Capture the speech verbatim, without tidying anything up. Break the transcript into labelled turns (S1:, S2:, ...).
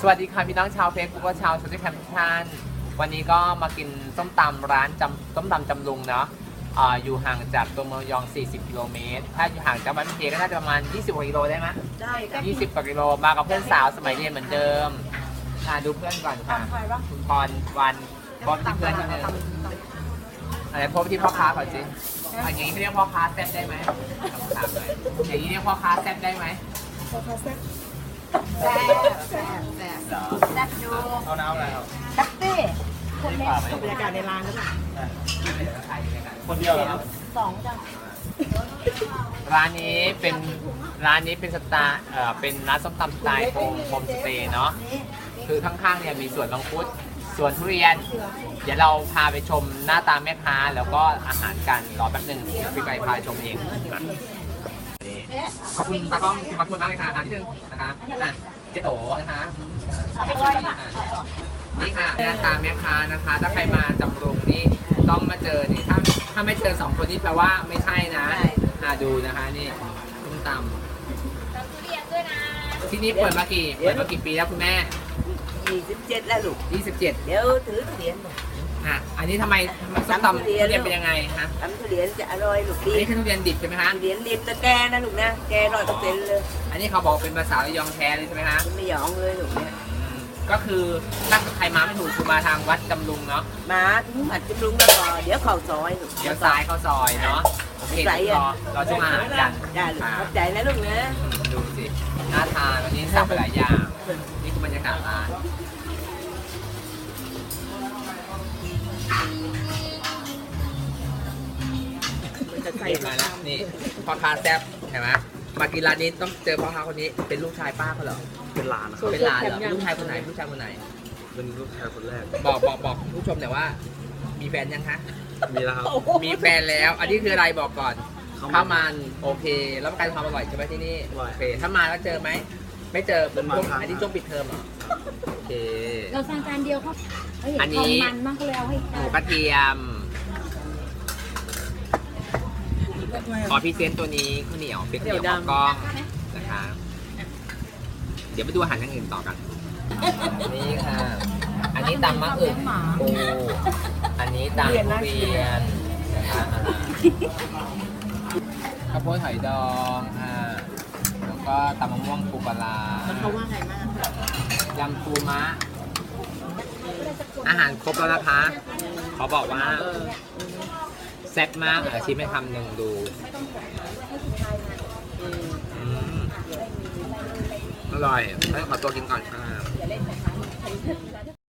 S1: วัสดีค่ะพี่น้องชาวเฟซบุ๊กและชาวโซเชียลแคมป์ทุกท่านวันนี้ก็มากินส้มตำร้านจำส้มตำจำลุงเนาะอ่าอยู่ห่างจากตัวเมืองยองสี่สิบกิโลเมตรถ้าอยู่ห่างจากบ้านพี่เจก็น่าจะประมาณยี่สิบกว่ากิโลได้ไหม
S2: ได้ค่ะ
S1: ยี่สิบกว่ากิโลมากับเพื่อนสาวสมัยเรียนเหมือนเดิมอ่าดูเพื่อนก่อนค่ะคุณพรวันพร้อมที่เพื่อนที่นึงอะไรพบที่พ่อค้าก่อนสิอย่างนี้เรียกพ่อค้าแซ่บได้ไหมถามเลยอย่างนี้เรียกพ่อค้าแซ่บได้ไหม
S2: พ่อค้าแซ่บ
S3: แซ่บแซ่บแซ่บแซ่บดู
S1: เอาน้ำอะไรครับ
S3: แซ่บตี้คนเล็ก
S2: บรรยากาศในร้านก็แบบ
S1: คนเดียวเหรอครับ
S3: สองจ้ะ
S1: ร้านนี้เป็นร้านนี้เป็นสไตล์เอ่อเป็นร้านส้มตำสไตล์โฮมโฮมสเตย์เนาะคือข้างๆเนี่ยมีสวนมังคุดสวนทุเรียน เดี๋ยวเราพาไปชมหน้าตาแม่ค้าแล้วก็อาหารกันรอแป๊บหนึงเดี๋ยวพี่ไปพาชมเองขอบคุณตากล้องขอบคุณมากเลยค่ะทานที่หนึ่งนะคะอ่ะเจ๊โตนะคะนี่ค่ะหน้าตาแม่ค้านะคะ ถ้าใครมาจำรุงนี่ต้องมาเจอนี่ถ้าถ้าไม่เจอสองคนนี้แปลว่าไม่ใช่นะอ่าดูนะคะนี่ส้มตำที่นี่เปิดมากี่เปิดมากี่ปีแล้วคุณแม่
S2: ยี่สิบเจ็ดแล้วลูก
S1: ยี่สิบเจ็ด
S2: เดี๋ยวถือทุเรียน
S1: อ่ะอันนี้ทำไมส้มตำทุเรียนเป็นยังไงฮะ
S2: ทำทุเรียนจะอร่อยลูก
S1: อั
S2: ดี
S1: นนี้คือทุเรียนดิบใช่ไหมฮะ
S2: ทุเรียนดิบตะแกนะลูกนะแกร้อยเปอร์เซ็นต์เลย
S1: อันนี้เขาบอกเป็นภาษาระยองแท้เลยใช่ไหมฮะ
S2: ไม่หยองเลยลูกเนี่ย
S1: อืมก็คือถ้าใครมาไม่ถูกคือมาทางวัดจำลุงเนาะ
S2: มาถึงหัดจิ้มลุงแล้วก็เดี๋ยวเข่าซอยลูก
S1: เดี๋ยวซ้ายเข้าซอยเนาะโอเคเดี๋ยวรอรอช่วงอาหารกัน
S2: ได้ลูก
S1: ค่ะ
S2: ขอบใจนะลูกนะ
S1: อืมดูสิน่าทานวันนี้สั่งไปหลายอย่างนี่คือบรรยากาศร้านนี่มาแล้วนี่พ่อค้าแซ่บเห็นไหมมากินร้านนี้ต้องเจอพ่อค้าคนนี้เป็นลูกชายป้าเขาเหรอ
S4: เป็นหลานนะครับ
S1: เป็นหลานเหรอลูกชายคนไหนลูกชายคนไหน
S4: เป็นลูกชายคนแรก
S1: บอกบอกบอกผู้ชมแต่อยว่า มีแฟนยังคะ
S4: มีแล้วครับ
S1: มีแฟนแล้ว อันนี้คืออะไรบอกก่อน
S4: ข้าวมัน
S1: ข้าวมันโอเค แล้วประกันความอร่อยใช่ไหมที่นี่
S4: อร่อย
S1: โอเค ถ้ามาแล้วเจอไหม ไม่เจอ
S4: เป็นบาง
S1: ช่วง
S4: ครั้ง
S1: อันนี้ช่วงปิดเทอมเหรอโอเค
S3: เราสั่งจานเดียวครับเฮ้ย
S1: อันนี้
S3: ทำมันมากเลยเอาให้
S1: หมูกระเทียมขอพรีเซนต์ตัวนี้ข้าวเหนียวเป็นข้าวเหนียวหม้อกล้องนะคะ เดี๋ยวไปดูอาหารอย่างอื่นต่อกัน นี่ค่ะ อันนี้ตำมะอึกปูอันนี้ตำทุเรียนนะคะข้าวโพดหอยดองค่ะแล้วก็ตำมะม่วงปูปลาร้า
S2: เขาว่าไงมาก
S1: ยำปูมะ อาหารครบแล้วนะคะเขาบอกว่าแซ่บมากอาชิมให้คำหนึ่งดูอืมอร่อยให้ขอตัวกินก่อนค่ะ